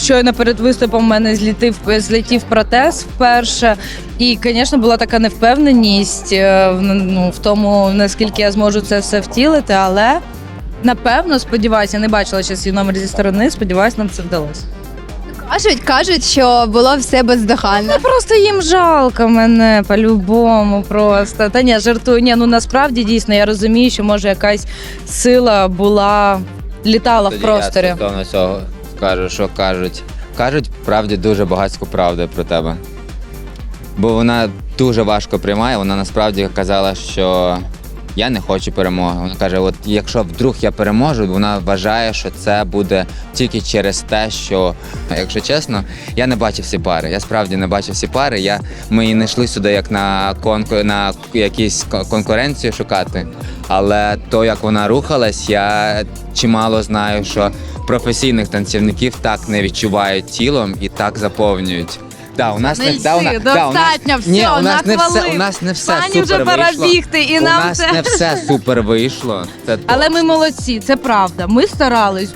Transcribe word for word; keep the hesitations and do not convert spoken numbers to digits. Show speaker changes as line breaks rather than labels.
щойно перед виступом в мене злітив, злетів протез вперше. І, звісно, була така невпевненість е, в, ну, в тому, наскільки я зможу це все втілити, але напевно, сподіваюся, я не бачила ще свій номер зі сторони, сподіваюся, нам це вдалося.
Кажуть, кажуть, що було все бездоганно.
Та просто їм жалко мене по-любому просто. Та ні, жартую. Ні, ну насправді дійсно я розумію, що може якась сила була, літала
Тоді
в просторі.
Я стосовно цього скажу, що кажуть. Кажуть, правді, дуже багатську правду про тебе. Бо вона дуже важко приймає, вона насправді казала, що я не хочу перемоги. Вона каже, от якщо вдруг я переможу, вона вважає, що це буде тільки через те, що, якщо чесно, я не бачив всі пари. Я справді не бачив всі пари. Я, ми і не йшли сюди як на, конку, на якісь конкуренцію шукати. Але то, як вона рухалась, я чимало знаю, що професійних танцівників так не відчувають тілом і так заповнюють. Да, у нас
Не
не,
йди,
да, у нас, да, у нас,
достатньо, все,
ні, у нас не все,
нахвалив.
у нас не все
Пані
супер
вже пора
вийшло.
бігти, і
у
нам
нас
це-
не все супер вийшло. Це
Але
точно.
ми молодці, це правда. Ми старались